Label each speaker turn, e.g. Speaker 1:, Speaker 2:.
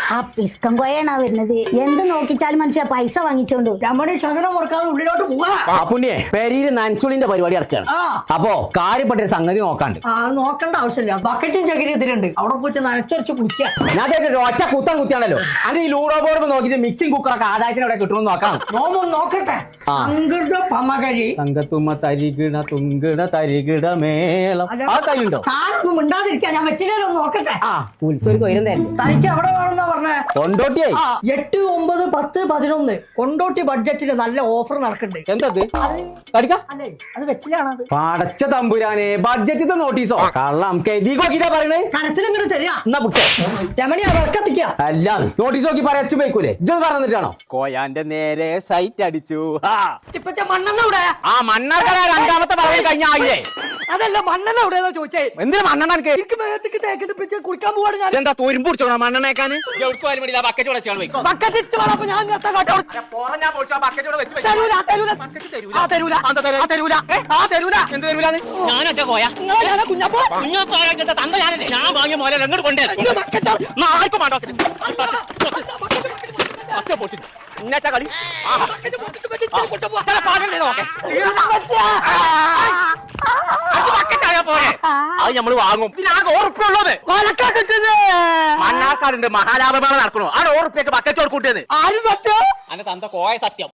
Speaker 1: ആ പിസ്കം കോയാണ് വരുന്നത്. എന്ത് നോക്കിച്ചാലും മനുഷ്യ പൈസ വാങ്ങിച്ചോണ്ട്
Speaker 2: രമണി ശകലം മുറക്കാതെ ഉള്ളിലോട്ട് പോവാ.
Speaker 3: പുണ്യേ പെരിയില് നനച്ചുളിന്റെ പരിപാടി ഇറക്കുകയാണ്. അപ്പോ കാര്യപ്പെട്ടൊരു സംഗതി നോക്കാണ്ട്.
Speaker 2: നോക്കണ്ട ആവശ്യമില്ല. ബക്കറ്റും ചകിരി ഇതിലുണ്ട്. അവിടെ പോയിട്ട് നനച്ചുറച്ച് കുടിക്കാം.
Speaker 3: ഞാൻ ഒറ്റ കുത്താൻ കുത്തിയാണല്ലോ. അത് ഈ ലൂഡോ ബോർഡ് നോക്കിയിട്ട് മിക്സിംഗ് കുക്കറൊക്കെ ആദായത്തിന് അവിടെ കിട്ടുമെന്ന് നോക്കാം.
Speaker 2: നോക്കട്ടെ. പമകരി
Speaker 3: തങ്കത്തുമ്മ തരികിട തുങ്കിട തരികിട മേളം ആ കയ്യുണ്ടോ?
Speaker 2: മിണ്ടാതിരിക്കാ. ഞാൻ വെച്ചില്ലല്ലോ. നോക്കട്ടെ.
Speaker 3: ഉത്സവം കൊയിലും
Speaker 2: തനിക്ക് അവിടെ വേണമെന്നാ പറഞ്ഞേ.
Speaker 3: കൊണ്ടോട്ടിയായി
Speaker 2: 8, 9, 10, 11 കൊണ്ടോട്ടി ബഡ്ജറ്റില് നല്ല ഓഫർ നടക്കുന്നുണ്ട്.
Speaker 3: എന്തത് കടിക്കാം?
Speaker 2: അല്ലേ അത് വെച്ചിലാണത്.
Speaker 3: പടച്ച തമ്പുരാനെ ബഡ്ജറ്റ് നോട്ടീസോ കള്ളം നോക്കിട്ടാ പറയണേ.
Speaker 2: കരത്തിലിങ്ങോട്ട് തരിക.
Speaker 3: എന്നാ പുട്ടേ
Speaker 2: രമണിയാ വിളക്കത്തിക്ക.
Speaker 3: അല്ല നോട്ടീസ് നോക്കി പറയച്ചു പോയിക്കൂലേ. ഇജ്ജ് പറഞ്ഞിട്ടാണോ? കോയാന്റെ നേരെ സൈറ്റ് അടിച്ചു.
Speaker 2: ഇപ്പത്തെ മണ്ണെണ്ണ ഇവിടെ.
Speaker 3: ആ മണ്ണാർക്കട രണ്ടാമത്തെ പറയാൻ കഴിഞ്ഞ ആയില്ലേ?
Speaker 2: അതല്ല മണ്ണെണ്ണ എവിടെയാ ചോദിച്ചേ.
Speaker 3: എന്തിനാ മണ്ണെണ്ണ
Speaker 2: എനിക്ക് മേത്തേക്ക് തേക്കിട്ട് പിടിച്ച് കുടിക്കാൻ പോവാണ് ഞാൻ.
Speaker 3: എന്താ തോരുമ്പ് പിടിച്ചോ മണ്ണെണ്ണേക്കാൻ?
Speaker 2: ബക്കറ്റ് ഇച്ച് വേണം. അപ്പൊ ഞാൻ തരൂല.
Speaker 3: ഞാനൊക്കെ കോയാ
Speaker 2: കുഞ്ഞപ്പോ
Speaker 3: തന്ത ഞാനല്ലേ ഞാൻ വാങ്ങിയ മോലെ എങ്ങോട്ട് കൊണ്ടേ ആർക്കും വേണ്ടോ ഒറ്റ പൊട്ടി ഇന്നത്തെ കളി അത് നമ്മള് വാങ്ങും. ഇതിനാകെ ഉറപ്പുള്ളത് മണ്ണാക്കാടുണ്ട്. മഹാലാഭമേള നടക്കണോ? ആ 100 ബക്കറ്റ് കൂട്ടിയത്
Speaker 2: ആര് സത്യം?
Speaker 3: അന്റെ തന്ത കോയ സത്യം.